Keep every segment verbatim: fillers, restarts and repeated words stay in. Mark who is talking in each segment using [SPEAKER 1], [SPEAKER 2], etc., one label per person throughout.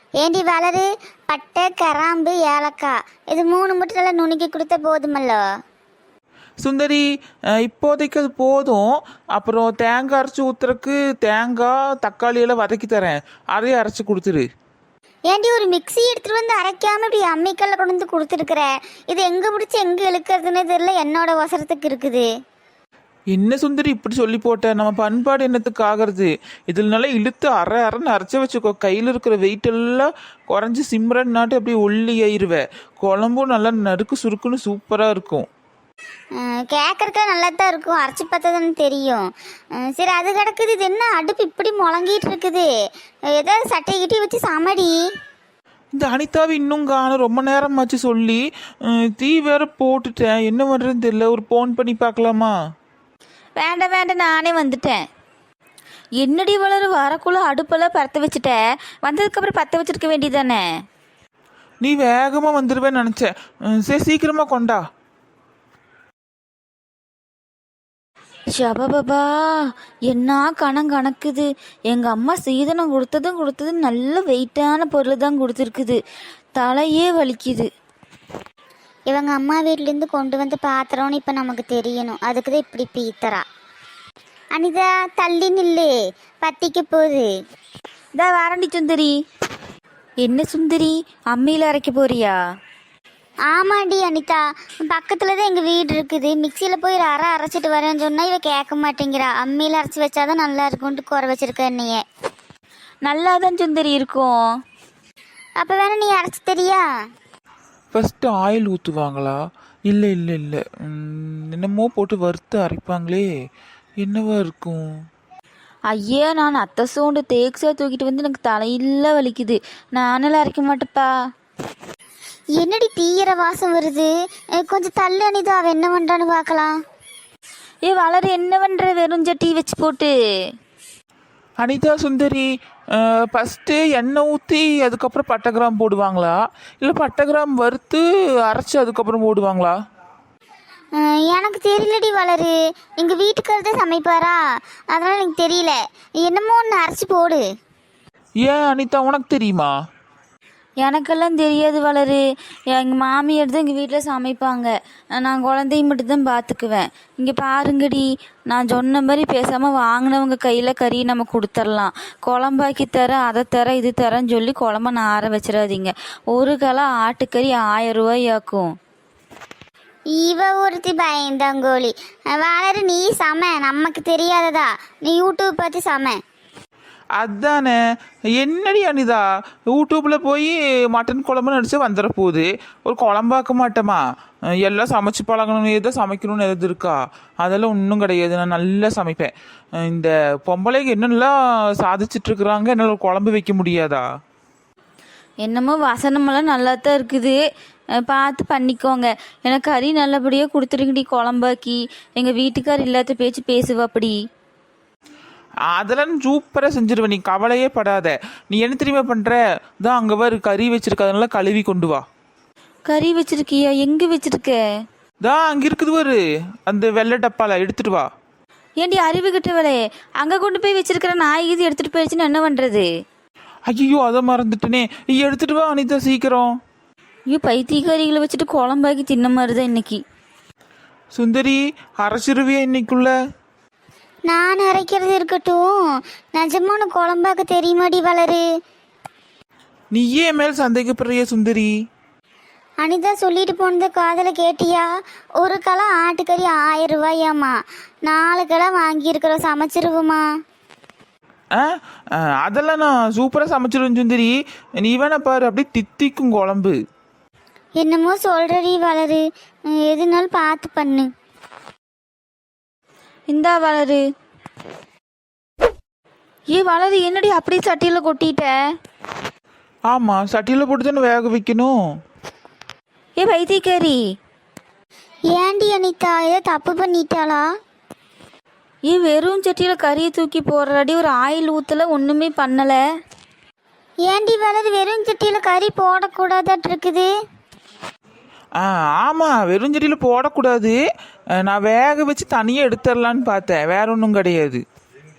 [SPEAKER 1] ஏண்டி வளரு, பட்டை கிராம்பு ஏலக்காய் இது மூணு மட்டும் நல்லா நுணுக்கி கொடுத்தா போதுமல்லோ?
[SPEAKER 2] சுந்தரி, அஹ், இப்போதைக்கு அது போதும். அப்புறம் தேங்காய் அரைச்சி ஊத்துறக்கு தேங்காய் தக்காளி எல்லாம் வதக்கி தரேன், அதையும் அரைச்சி கொடுத்துரு.
[SPEAKER 1] ஏண்டி ஒரு மிக்ஸி எடுத்துட்டு வந்து அரைக்காம இப்படி அம்மிக்கல்ல கொண்டு வந்து கொடுத்துருக்குற? இது எங்க பிடிச்சி எங்க இழுக்கிறதுன்னு தெரியல, என்னோட அவசரத்துக்கு இருக்குது.
[SPEAKER 2] என்ன சுந்தரி இப்படி சொல்லி போட்ட? நம்ம பண்பாடு என்னத்துக்கு ஆகிறது? இதில் நல்லா இழுத்து அரை அரைன்னு அரைச்சி வச்சுக்கோ. கையில் இருக்கிற வெயிட் எல்லாம் குறைஞ்சி சிம்ரன் நாட்டு அப்படியே ஒல்லி ஆயிருவேன். குழம்பும் நல்லா நறுக்கு சுருக்குன்னு சூப்பராக இருக்கும்.
[SPEAKER 1] கேட்கறதுக்கு நல்லா தான் இருக்கும், அரைச்சி பார்த்தா தானே தெரியும். அஹ் சரி, அது கிடக்குது. இது என்ன அடுப்பு இப்படி முழங்கிட்டு இருக்குது? ஏதாவது சட்டை கிட்டி வச்சு சமடி.
[SPEAKER 2] இந்த அனிதாவை இன்னும் காணும், ரொம்ப நேரமாச்சு சொல்லி. அஹ், தீ வேற போட்டுட்டேன், என்ன பண்ணுறதுன்னு தெரியல. ஒரு ஃபோன் பண்ணி பார்க்கலாமா?
[SPEAKER 3] வேண்டாம் வேண்டாம், நானே வந்துட்டேன். என்னடி வளரு, வரக்குள்ள அடுப்பெல்லாம் பற்ற வச்சுட்ட, வந்ததுக்கப்புறம் பற்ற வச்சிருக்க வேண்டியதானே?
[SPEAKER 2] நீ வேகமாக வந்துடுவேன்னு நினச்சேன். அஹ், சரி சீக்கிரமாக கொண்டா.
[SPEAKER 3] ஷபபபா, என்ன கணம் கணக்குது. எங்கள் அம்மா சீதனம் கொடுத்ததும் கொடுத்தது நல்ல வெயிட்டான பொருள் தான் கொடுத்துருக்குது. தலையே வலிக்குது.
[SPEAKER 1] இவங்க அம்மா வீட்டிலேருந்து கொண்டு வந்து பாத்திரம்னு இப்போ நமக்கு தெரியணும், அதுக்கு தான் இப்படி பீத்தரா. அனிதா தள்ளி நில்லு, பத்திக்கு போகுது.
[SPEAKER 3] இதா வாரண்டி சுந்தரி. என்ன சுந்தரி, அம்மியில் அரைக்க போறியா?
[SPEAKER 1] ஆமாண்டி அனிதா, பக்கத்தில் தான் எங்கள் வீடு இருக்குது. மிக்சியில் போய் அரை அரைச்சிட்டு வரேன்னு சொன்னால் இவ கேட்க மாட்டேங்கிறா. அம்மியில் அரைச்சி வச்சாதான் நல்லா இருக்கும்ட்டு குறை வச்சிருக்க என்னைய.
[SPEAKER 3] நல்லா தான் சுந்தரி இருக்கும்.
[SPEAKER 1] அப்போ வேணா நீ அரைச்சி தெரியா?
[SPEAKER 2] ஃபஸ்ட்டு ஆயில் ஊற்றுவாங்களா? இல்லை இல்லை இல்லை, என்னமோ போட்டு வறுத்து அரைப்பாங்களே, என்னவா இருக்கும்?
[SPEAKER 3] ஐயா, நான் அத்தை சோண்டு தேக்ஸா தூக்கிட்டு வந்து எனக்கு தலையில வலிக்குது. நானெல்லாம் அரைக்க மாட்டேப்பா.
[SPEAKER 1] என்னடி தீயிர வாசம் வருது? அஹ் கொஞ்சம் தள்ளு அனிதா, அவ என்ன பண்ணுறான்னு பார்க்கலாம்.
[SPEAKER 3] ஏ வளரு, என்ன பண்ணுற வெறும் சட்டி வச்சு போட்டு?
[SPEAKER 2] அனிதா சுந்தரி, ஃபஸ்ட்டு எண்ணெய் ஊற்றி அதுக்கப்புறம் பட்டை கிராம் போடுவாங்களா, இல்லை பட்டை கிராம் வறுத்து அரைச்சி அதுக்கப்புறம் போடுவாங்களா?
[SPEAKER 1] அஹ் எனக்கு தெரியலடி வளரு, எங்கள் வீட்டுக்காரர் தான் சமைப்பாரா, அதனால் எனக்கு தெரியல. என்னமோ ஒன்று அரைச்சி போடு.
[SPEAKER 2] ஏன் அனிதா, உனக்கு தெரியுமா?
[SPEAKER 3] எனக்கெல்லாம் தெரியாது வளரு. எங்கள் மாமியார் தான் எங்கள் வீட்டில் சமைப்பாங்க. நான் குழந்தைய மட்டும்தான் பார்த்துக்குவேன். இங்கே பாருங்கடி, நான் சொன்ன மாதிரி பேசாமல் வாங்கினவங்க கையில் கறி நம்ம கொடுத்துர்லாம். குழம்பாக்கி தரேன், அதை தரேன், இது தரேன்னு சொல்லி குழம்ப நார வச்சிடாதீங்க. ஒரு கிலோ ஆட்டுக்கறி ஆயிரம் ரூபாயாக்கும்.
[SPEAKER 1] இவ ஒருத்தி பயந்தாங்கோழி. வளரு, நீ சம, நமக்கு தெரியாததா? நீ யூடியூப் பார்த்து சம.
[SPEAKER 2] அதானே, என்னடி அனிதா, யூடியூப்பில் போய் மட்டன் குழம்புன்னு அடிச்சு வந்துட போகுது. ஒரு குழம்பாக்க மாட்டோமா? எல்லாம் சமைச்சு பழகணும்னு எதோ சமைக்கணும்னு எதாவது இருக்கா? அதெல்லாம் ஒன்றும் கிடையாது, நான் நல்லா சமைப்பேன். இந்த பொம்பளைக்கு என்னென்னலாம் சாதிச்சிட்ருக்குறாங்க, என்னால் ஒரு குழம்பு வைக்க முடியாதா?
[SPEAKER 3] என்னமோ வசனமெல்லாம் நல்லா தான் இருக்குது, பார்த்து பண்ணிக்கோங்க. எனக்கு கறி நல்லபடியாக கொடுத்துருங்கடி குழம்பாக்கி. எங்கள் வீட்டுக்கார் இல்லாத பேச்சு பேசுவா அப்படி.
[SPEAKER 2] அதெல்லாம் சூப்பராக செஞ்சிருவேன், நீ கவலையே படாத. நீ என்ன தெரியுமா பண்ணுற? தான் அங்கே வரு கறி வச்சிருக்க, அதனால கழுவி கொண்டு வா.
[SPEAKER 3] கறி வச்சிருக்கியா? எங்கே வச்சிருக்க?
[SPEAKER 2] தான் அங்கே இருக்குது வரு, அந்த வெள்ளை டப்பால எடுத்துட்டு வா.
[SPEAKER 3] ஏண்டி அறிவு கிட்டவளே, அங்கே கொண்டு போய் வச்சிருக்கிற நாய் இது எடுத்துகிட்டு போயிடுச்சுன்னு என்ன பண்ணுறது?
[SPEAKER 2] ஐயோ, அதை மறந்துட்டனே. நீ எடுத்துட்டு வா அனிதா, சீக்கிரம்.
[SPEAKER 3] ஐயோ, பைத்தியக்காரிகளை வச்சுட்டு குழம்பாக்கி தின்ன மாதிரி தான் இன்னைக்கு.
[SPEAKER 2] சுந்தரி, அரைச்சிருவியா இன்னைக்குள்ள?
[SPEAKER 1] நான் அரைக்கிறது இருக்கட்டும், நிஜமான குழம்பாக்க தெரியுமாடி வளரு?
[SPEAKER 2] நீயே என் மேல் சந்தேகப்படுறிய சுந்தரி?
[SPEAKER 1] அனிதா சொல்லிட்டு போனது காதல கேட்டியா? ஒரு கிலோ ஆட்டுக்கறி ஆயிரம் ரூபாயாம்மா. நாலு கிலோ வாங்கியிருக்கிறோம், சமைச்சிருவோமா?
[SPEAKER 2] ஆ ஆ, அதெல்லாம் நான் சூப்பராக சமைச்சிருவேன் சுந்தரி. நீ வேணா பாரு, அப்படியே தித்திக்கும் குழம்பு.
[SPEAKER 1] என்னமோ சொல்றடி வளரு, எதுனாலும் பார்த்து பண்ணு.
[SPEAKER 3] இந்தா வளரு. ஏ வளரு, என்னடி அப்படியே சட்டியில் கொட்டிட்ட?
[SPEAKER 2] ஆமாம், சட்டியில் போட்டு தானே வேக வைக்கணும்.
[SPEAKER 3] ஏ பைத்தியக்காரி,
[SPEAKER 1] ஏண்டி அனிதா, ஏதோ தப்பு பண்ணிட்டாளா?
[SPEAKER 3] ஏ வெறும் சட்டியில் கறியை தூக்கி போடுறாடி, ஒரு ஆயில் ஊற்றலை, ஒன்றுமே பண்ணலை.
[SPEAKER 1] ஏண்டி வளரு, வெறும் சட்டியில் கறி போடக்கூடாதாட்டு இருக்குது?
[SPEAKER 2] ஆ ஆமாம், வெறுஞ்செடியில் போடக்கூடாது. நான் வேக வச்சு தனியாக எடுத்துடலான்னு பார்த்தேன், வேற ஒன்றும் கிடையாது.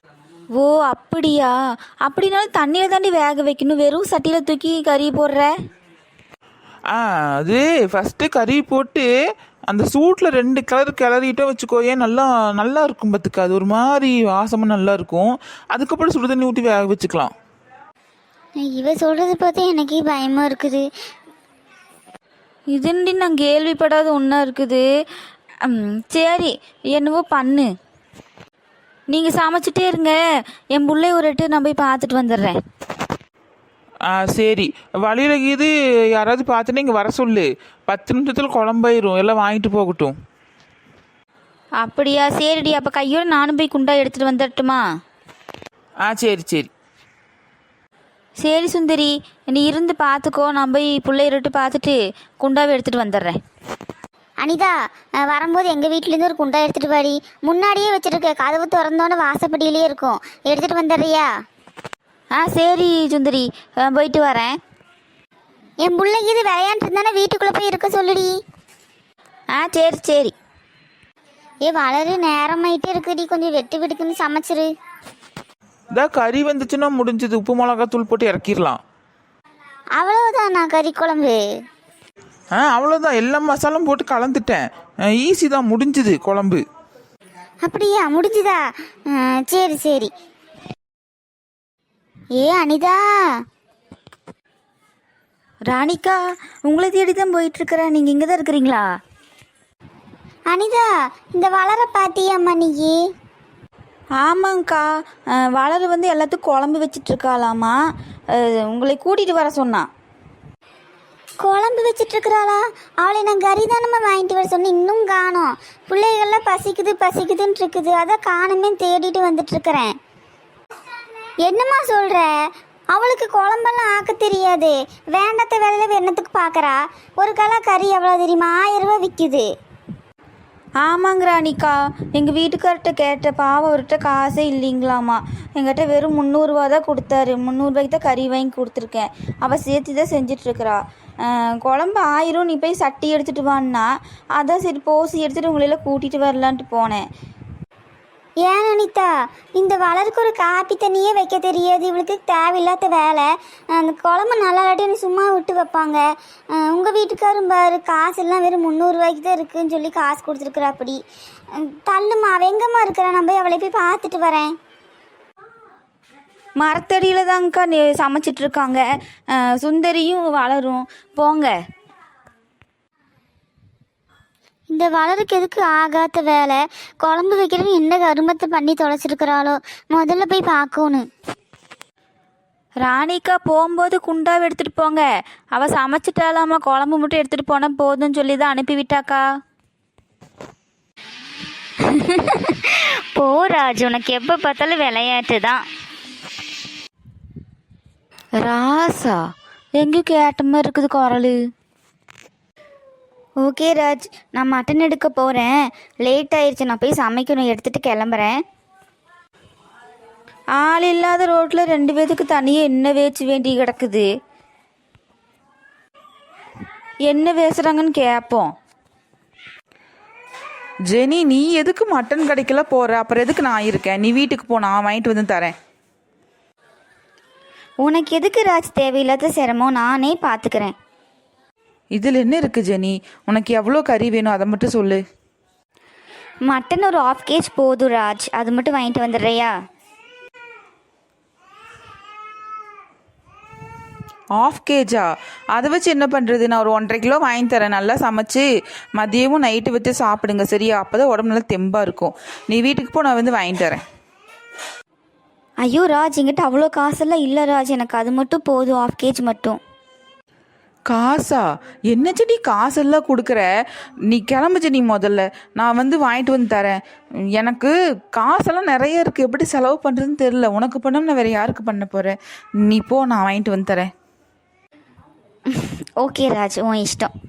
[SPEAKER 3] ஓ அப்படியா? அப்படின்னாலும் தண்ணியில் தாண்டி வேக வைக்கணும், வெறும் சட்டியில் தூக்கி கறி போடுற.
[SPEAKER 2] ஆ அது ஃபஸ்ட்டு கறி போட்டு அந்த சூட்டில் ரெண்டு கலர் கிளறிட்டோம் வச்சுக்கோயே, நல்லா நல்லா இருக்கும் பார்த்துக்க. அது ஒரு மாதிரி வாசமாக நல்லா இருக்கும். அதுக்கப்புறம் சுடு தண்ணி ஊற்றி வேக வச்சுக்கலாம்.
[SPEAKER 1] இவ சொல்றது பார்த்தா எனக்கே பயமா இருக்குது.
[SPEAKER 3] இதுண்டி நான் கேள்விப்படாத ஒன்றா இருக்குது. ம், சரி என்னவோ பண்ணு, நீங்கள் சமைச்சிட்டே இருங்க. என் பிள்ளை ஒரு எட்டு நான் போய் பார்த்துட்டு வந்துடுறேன்.
[SPEAKER 2] ஆ சரி, வழியில இது யாராவது பார்த்துட்டு இங்கே வர சொல்லு. பத்து நிமிஷத்தில் குழம்பாயிரும், எல்லாம் வாங்கிட்டு போகட்டும்.
[SPEAKER 3] அப்படியா? சரிடி, அப்போ கையோட நானும் போய் குண்டா எடுத்துகிட்டு வந்துடட்டுமா?
[SPEAKER 2] ஆ சரி சரி.
[SPEAKER 3] சரி சுந்தரி, நீ இருந்து பார்த்துக்கோ, நான் போய் பிள்ளையிட்டு பார்த்துட்டு குண்டாவை எடுத்துகிட்டு வந்துடுறேன்.
[SPEAKER 1] அனிதா, அஹ், வரும்போது எங்கள் வீட்டிலேருந்து ஒரு குண்டா எடுத்துகிட்டு வாடி. முன்னாடியே வச்சுருக்க, கதவு திறந்தோன்னே வாசப்படியிலே இருக்கும். எடுத்துகிட்டு வந்துடுறியா?
[SPEAKER 3] ஆ சரி சுந்தரி, அஹ், போயிட்டு வரேன்.
[SPEAKER 1] என் பிள்ளைக்கு இது விளையாண்டு இருந்தானே வீட்டுக்குள்ளே போய் இருக்க சொல்லுடி.
[SPEAKER 3] ஆ சரி சரி.
[SPEAKER 1] ஏ வளரு, நேரமாயிட்டே இருக்குடி, கொஞ்சம் வெட்டு வெட்டுக்குன்னு சமைச்சிரு.
[SPEAKER 2] இதா கறி வந்துச்சுன்னா முடிஞ்சது. உப்பு மிளகா தூள் போட்டு இறக்கிடலாம்.
[SPEAKER 1] அவ்வளவுதான் நான் கறி குழம்பு.
[SPEAKER 2] ஆ அவ்வளோதான், எல்லா மசாலும் போட்டு கலந்துட்டேன். ஈஸி தான், முடிஞ்சுது குழம்பு.
[SPEAKER 1] அப்படியா? முடிஞ்சுதா? அஹ், சரி சரி. ஏ அனிதா,
[SPEAKER 3] ராணிக்கா, உங்களை தேடி தான் போயிட்டுருக்கிறேன். நீங்கள் இங்கே தான் இருக்கிறீங்களா?
[SPEAKER 1] அனிதா, இந்த வளர பாத்தியாம்மா நீ?
[SPEAKER 3] ஆமாங்க்கா, அஹ், வளரு வந்து எல்லாத்துக்கும் குழம்பு வச்சிட்ருக்காளாமா. உங்களை கூட்டிகிட்டு வர சொன்னான்.
[SPEAKER 1] குழம்பு வச்சிட்டு இருக்கிறாளா? அவளை நான் கறி தானம்மா வாங்கிட்டு வர சொன்னேன், இன்னும் காணோம். பிள்ளைகள்லாம் பசிக்குது பசிக்குதுன்னு இருக்குது, அதான் காணுமே தேடிட்டு வந்துட்டு இருக்கிறேன். என்னம்மா சொல்ற? அவளுக்கு குழம்பெல்லாம் ஆக்க தெரியாது. வேண்டாத வேலையில என்னத்துக்கு பார்க்கறா? ஒரு கலா கறி எவ்வளோ தெரியுமா? ஆயிரம் ரூபாய் விற்குது.
[SPEAKER 3] ஆமாங்க ராணிக்கா, எங்கள் வீட்டுக்கார்ட்ட கேட்ட, பாவம் அவர்கிட்ட காசே இல்லைங்களாமா. எங்கிட்ட வெறும் முந்நூறுரூவா தான் கொடுத்தாரு. முந்நூறுபாய்க்கு தான் கறி வாங்கி கொடுத்துருக்கேன். அவள் சேர்த்து தான் செஞ்சிட்ருக்கிறா. குழம்பு ஆயிரம், நீ போய் சட்டி எடுத்துகிட்டு வான்னா, அதான் சரி போசி எடுத்துகிட்டு உங்களெல்லாம் கூட்டிகிட்டு வரலான்ட்டு போனேன்.
[SPEAKER 1] ஏன் அனிதா, இந்த வளருக்கு ஒரு காப்பி தண்ணியே வைக்க தெரியாது. இவளுக்கு தேவையில்லாத வேலை. அந்த குழம்பு நல்லா இல்லாட்டி சும்மா விட்டு வைப்பாங்க. உங்கள் வீட்டுக்காரும் பாரு, காசு எல்லாம் வெறும் முந்நூறுரூவாய்க்கு தான் இருக்குன்னு சொல்லி காசு கொடுத்துருக்குறா. அப்படி தள்ளுமா, அவ எங்கம்மா இருக்கிறா? நான் போய் அவளை போய் பார்த்துட்டு வரேன்.
[SPEAKER 3] மரத்தடியில் தாங்க்கா நீ சமைச்சிட்ருக்காங்க. சுந்தரியும் வளரும். போங்க.
[SPEAKER 1] இந்த வளருக்கு எதுக்கு ஆகாத வேலை? குழம்பு வைக்கிறது என்ன கருமத்தை பண்ணி தொலைச்சிருக்கிறாளோ? முதல்ல போய் பார்க்கணும்.
[SPEAKER 3] ராணிக்கா, போகும்போது குண்டாவை எடுத்துகிட்டு போங்க. அவள் சமைச்சிட்டாலாமா, குழம்பு மட்டும் எடுத்துகிட்டு போனால் போதும்னு சொல்லி தான் அனுப்பிவிட்டாக்கா.
[SPEAKER 1] போ ராஜு, உனக்கு எப்போ பார்த்தாலும் விளையாட்டு தான்.
[SPEAKER 3] ராசா, எங்கேயும் கேட்ட மாதிரி இருக்குது குரல்.
[SPEAKER 1] ஓகே ராஜ், நான் மட்டன் எடுக்க போகிறேன். லேட் ஆயிடுச்சு, நான் போய் சமைக்கணும். எடுத்துகிட்டு கிளம்புறேன்.
[SPEAKER 3] ஆள் இல்லாத ரோட்டில் ரெண்டு பேத்துக்கு தனியாக என்ன வேச்சு வேண்டி கிடக்குது. என்ன பேசுகிறாங்கன்னு கேட்போம்.
[SPEAKER 2] ஜெனி, நீ எதுக்கு மட்டன் கடைக்கல போற? அப்புறம் எதுக்கு நான் இருக்கேன்? நீ வீட்டுக்கு போ, நான் வாங்கிட்டு வந்து தரேன்.
[SPEAKER 1] உனக்கு எதுக்கு ராஜ் தேவையில்லாத சிரமம்? நானே பார்த்துக்கிறேன்.
[SPEAKER 2] இதில் என்ன இருக்குது ஜெனி? உனக்கு எவ்வளோ கறி வேணும் அதை மட்டும் சொல்லு.
[SPEAKER 1] மட்டன் ஒரு ஆஃப் கேஜ் போதும் ராஜ், அது மட்டும் வாங்கிட்டு வந்துடுறியா?
[SPEAKER 2] ஆஃப் கேஜா? அதை வச்சு என்ன பண்ணுறது? நான் ஒரு ஒன்றரை கிலோ வாங்கி தரேன். நல்லா சமைச்சு மதியமும் நைட்டு வச்சு சாப்பிடுங்க, சரியா? அப்போ தான் உடம்பு நல்லா தெம்பாக இருக்கும். நீ வீட்டுக்கு போ, நான் வந்து வாங்கி தரேன்.
[SPEAKER 1] ஐயோ ராஜ், என்கிட்ட அவ்வளோ காசெல்லாம் இல்லை ராஜ், எனக்கு அது மட்டும் போதும், ஆஃப் கேஜ் மட்டும்.
[SPEAKER 2] காசா? என்ன செடி காசெல்லாம் கொடுக்குற? நீ கிளம்பு செடி, முதல்ல நான் வந்து வாங்கிட்டு வந்து தரேன். எனக்கு காசெல்லாம் நிறைய இருக்குது, எப்படி செலவு பண்ணுறதுன்னு தெரில. உனக்கு பண்ணாமல் நான் வேறு யாருக்கு பண்ண போகிறேன்? நீ போ, நான் வாங்கிட்டு வந்து தரேன்.
[SPEAKER 1] ஓகே ராஜ், உன் இஷ்டம்.